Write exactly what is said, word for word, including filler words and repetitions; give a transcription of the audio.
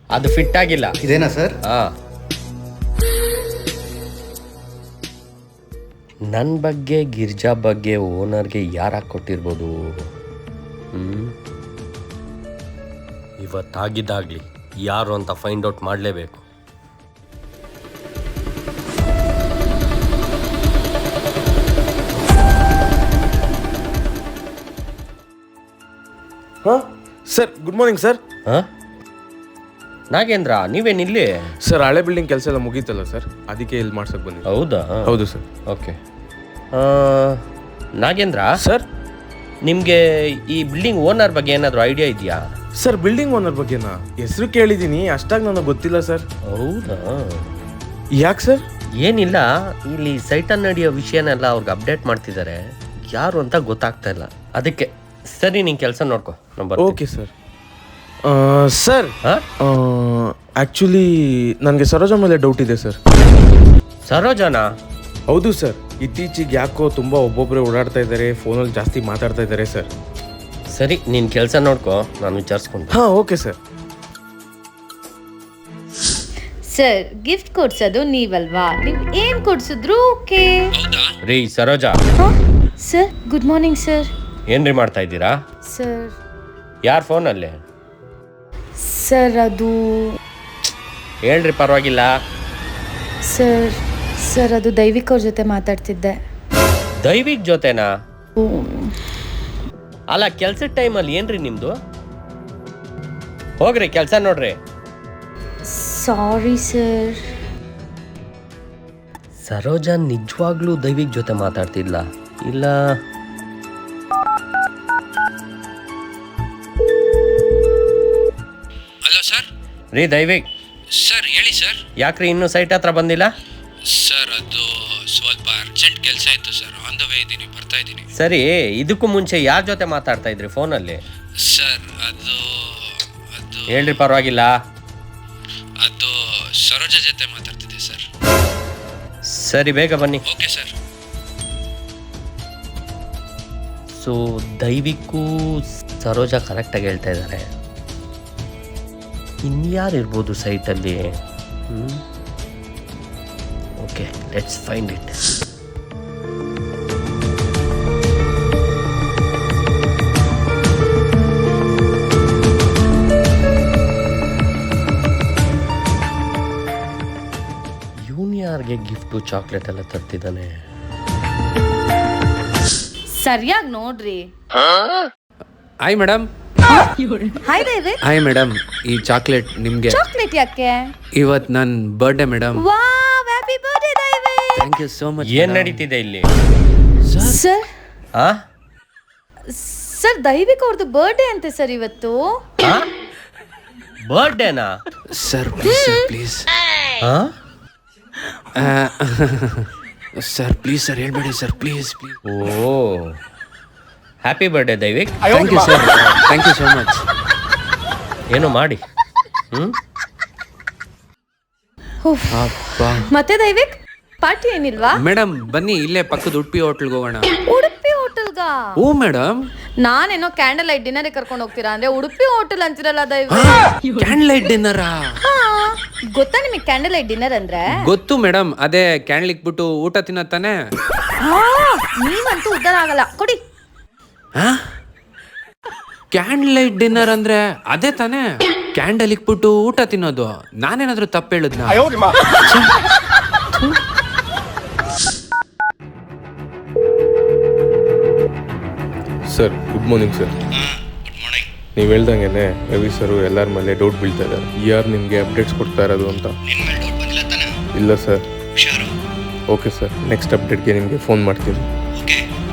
ಅದು ಫಿಟ್ ಆಗಿಲ್ಲ. ಇದೇನಾ ಸರ್? ಹಾ, ನನ್ನ ಬಗ್ಗೆ ಗಿರ್ಜಾ ಬಗ್ಗೆ ಓನರ್ಗೆ ಯಾರಾಗಿ ಕೊಟ್ಟಿರ್ಬೋದು? ಹ್ಮ್ ಇವತ್ತಾಗಿದ್ದಾಗಲಿ ಯಾರು ಅಂತ ಫೈಂಡ್ ಔಟ್ ಮಾಡಲೇಬೇಕು. ಹಾಂ ಸರ್, ಗುಡ್ ಮಾರ್ನಿಂಗ್ ಸರ್. ಹಾಂ ನಾಗೇಂದ್ರ, ನೀವೇನಿಲ್ಲಿ? ಸರ್, ಹಳೆ ಬಿಲ್ಡಿಂಗ್ ಕೆಲಸ ಎಲ್ಲ ಮುಗೀತಲ್ಲ ಸರ್, ಅದಕ್ಕೆ ಇಲ್ಲಿ ಮಾಡ್ಸಕ್ಕೆ ಬಂದಿದ್ದೆ. ಹೌದಾ? ಹೌದು ಸರ್. ಓಕೆ. ನಾಗೇಂದ್ರ ಸರ್, ನಿಮಗೆ ಈ ಬಿಲ್ಡಿಂಗ್ ಓನರ್ ಬಗ್ಗೆ ಏನಾದರೂ ಐಡಿಯಾ ಇದೆಯಾ? ಸರ್, ಬಿಲ್ಡಿಂಗ್ ಓನರ್ ಬಗ್ಗೆನಾ? ಹೆಸರು ಕೇಳಿದ್ದೀನಿ, ಅಷ್ಟಾಗಿ ನನಗೆ ಗೊತ್ತಿಲ್ಲ ಸರ್. ಹೌದಾ? ಯಾಕೆ ಸರ್? ಏನಿಲ್ಲ, ಇಲ್ಲಿ ಸೈಟಲ್ಲಿ ನಡೆಯೋ ವಿಷಯನೆಲ್ಲ ಅವ್ರಿಗೆ ಅಪ್ಡೇಟ್ ಮಾಡ್ತಿದ್ದಾರೆ, ಯಾರು ಅಂತ ಗೊತ್ತಾಗ್ತಾ ಇಲ್ಲ, ಅದಕ್ಕೆ. ಸರಿ, ನೀನು ಕೆಲಸ ನೋಡ್ಕೊ. ನಂಬರ್. Okay sir. ಸರ್, ಹಾಂ, ಆ್ಯಕ್ಚುಲಿ ನನಗೆ ಸರೋಜ ಮೇಲೆ ಡೌಟ್ ಇದೆ ಸರ್. ಸರೋಜನಾ? ಹೌದು ಸರ್, ಇತ್ತೀಚೆಗೆ ಯಾಕೋ ತುಂಬ ಒಬ್ಬೊಬ್ಬರೇ ಓಡಾಡ್ತಾ ಇದ್ದಾರೆ, ಫೋನಲ್ಲಿ ಜಾಸ್ತಿ ಮಾತಾಡ್ತಾ ಇದ್ದಾರೆ ಸರ್. ಸರಿ, ನೀನು ಕೆಲಸ ನೋಡ್ಕೊ, ನಾನು ವಿಚಾರಿಸ್ಕೊಂಡು. ಹಾಂ, ಓಕೆ ಸರ್. ಸರ್, ಗಿಫ್ಟ್ ಕೊಡ್ಸೋದು ನೀವಲ್ವಾ? ನೀವು ಏನ್ ಕೊಡ್ಸಿದ್ರು ಓಕೆ. ರೀ Saroja. Sir, good morning sir. ಏನ್ರಿ ಮಾಡ್ತಾ ಇದ್ದೀರಾ? ಸರ್ ಯಾರ ಫೋನಲ್ಲಿ? ಸರ್ ಅದು ಹೇಳ್ರಿ, ಪರವಾಗಿಲ್ಲ. ಸರ್ ಸರ್ ಅದು ದೈವಿಕ್ ಅವ್ರ ಜೊತೆ ಮಾತಾಡ್ತಿದ್ದೆ. ದೈವಿಕ್ ಜೊತೆನಾ? ಅಲ್ಲ, ಕೆಲ್ಸದ ಟೈಮಲ್ಲಿ ಏನ್ರಿ ನಿಮ್ದು? ಹೋಗ್ರಿ ಕೆಲಸ ನೋಡ್ರಿ. Sorry sir. ಸರೋಜಾ ನಿಜವಾಗ್ಲೂ ದೈವಿಕ್ ಜೊತೆ ಮಾತಾಡ್ತಿದ್ಲ ಇಲ್ಲ? Hello sir. ರೀ ದೈವಿಕ್. ಸರ್ ಹೇಳಿ ಸರ್. ಯಾಕ್ರಿ ಇನ್ನೂ ಸೈಟ್ ಹತ್ರ ಬಂದಿಲ್ಲ? ಸರ್, ಅದು ಸ್ವಲ್ಪ ಅರ್ಜೆಂಟ್ ಕೆಲಸ ಇತ್ತು ಸರ್, ಆನ್ ದ ವೇ ಇದ್ದೀನಿ, ಬರ್ತಾ ಇದ್ದೀನಿ. ಸರಿ, ಇದಕ್ಕೂ ಮುಂಚೆ ಯಾರ ಜೊತೆ ಮಾತಾಡ್ತಾ ಇದ್ರಿ ಫೋನಲ್ಲಿ? ಸರ್, ಅದು ಅದು ಹೇಳ್ರಿ, ಪರವಾಗಿಲ್ಲ. ಅದು ಸರೋಜ ಜೊತೆ ಮಾತಾಡ್ತಿದ್ದೆ ಸರ್. ಸರಿ, ಬೇಗ ಬನ್ನಿ. Okay sir. ಸೊ ದೈವಿಕ್ಕೂ ಸರೋಜಾ ಕರೆಕ್ಟಾಗಿ ಹೇಳ್ತಾ ಇದ್ದಾರೆ. ಇನ್ಯಾರು ಇರ್ಬೋದು ಸೈಟಲ್ಲಿ? Okay, let's find it. ಯೂನಿಯಾರ್ಗೆ ಗಿಫ್ಟು ಚಾಕ್ಲೇಟ್ ಎಲ್ಲ ತರ್ತಿದ್ದಾನೆ. ಸರಿಯಾಗಿ ನೋಡ್ರಿ. Hi madam. Hi Daivik. Hi madam, ಈ ಚಾಕ್ಲೇಟ್ ನಿಮಗೆ. ಚಾಕ್ಲೇಟ್ ಯಾಕೆ? ಇವತ್ತು ನನ್ನ birthday madam. Wow, happy birthday Daivik. Thank you so much. ಏನ್ ನಡೀತಿದೆ ಇಲ್ಲಿ? ಸರ್ ಆ ಸರ್ ದೈವಿಕ್ ಅವ್ರದ್ದು ಬರ್ಡೇ ಅಂತೆ ಸರ್ ಇವತ್ತು. ಬರ್ಡೇನಾ? Sir please sir please sir please sir ಹೇಳ್ಬೇಡಿ sir please please. Oh, happy birthday Daivik. Thank you sir, thank you so much. ಏನೋ ಮಾಡಿ. ಹ್ಮ್ ಮತ್ತೆ ದೈವಿಕ್, ಪಾರ್ಟಿ ಏನಿಲ್ವಾ? ಮೇಡಮ್ ಬನ್ನಿ, ಇಲ್ಲೇ ಪಕ್ಕದ ಉಡುಪಿ ಹೋಟ್ಲ್ಗೆ ಹೋಗೋಣ. ಉಡುಪಿ ಹೋಟೆಲ್ಗಾ? ಓ ಮೇಡಮ್, ನಾನೇನೋ ಕ್ಯಾಂಡಲ್ ಲೈಟ್ ಡಿನ್ನರ್ ಕರ್ಕೊಂಡು ಹೋಗ್ತೀರಾ ಅಂದ್ರೆ ಉಡುಪಿ ಹೋಟೆಲ್ ಅಂತಿರಲ್ಲ ದೈವಿಕ್. ಕ್ಯಾಂಡಲ್ ಲೈಟ್ ಡಿನ್ನರಾ? ಗೊತ್ತಾ ನಿಮಗೆ ಕ್ಯಾಂಡಲ್ ಲೈಟ್ ಡಿನ್ನರ್ ಅಂದ್ರೆ? ಗೊತ್ತು ಮೇಡಮ್, ಅದೇ ಕ್ಯಾಂಡಲ್ ಇಕ್ಬಿಟ್ಟು ಊಟ ತಿನ್ನತ್ತಾನೆ. ನೀವಂತೂ ಉದ್ದಾರ ಆಗಲ್ಲ, ಕೊಡಿ. ಕ್ಯಾಂಡಲ್ ಲೈಟ್ ಡಿನ್ನರ್ ಅಂದ್ರೆ ಅದೇ ತಾನೇ, ಕ್ಯಾಂಡಲ್ ಇಕ್ಬಿಟ್ಟು ಊಟ ತಿನ್ನೋದು. ನಾನೇನಾದ್ರೂ ತಪ್ಪು ಹೇಳಿದ್ನ? Sir, good morning sir. Good morning. ನೀವು ಹೇಳ್ದಂಗೆ ರವಿ ಸರು ಎಲ್ಲರ ಮೇಲೆ ಡೌಟ್ ಬೀಳ್ತಾ ಇದ್ದಾರೆ, ಯಾರು ನಿಮಗೆ ಅಪ್ಡೇಟ್ಸ್ ಕೊಡ್ತಾ ಇರೋದು ಅಂತ. ನಿನ್ನ ಮೇಲೆ ಡೌಟ್ ಬಂದಿಲ್ಲ ತಾನೆ? ಇಲ್ಲ ಸರ್. ಹುಷಾರು. ಓಕೆ ಸರ್, ನೆಕ್ಸ್ಟ್ ಅಪ್ಡೇಟ್ಗೆ ನಿಮಗೆ ಫೋನ್ ಮಾಡ್ತೀನಿ. ಓಕೆ.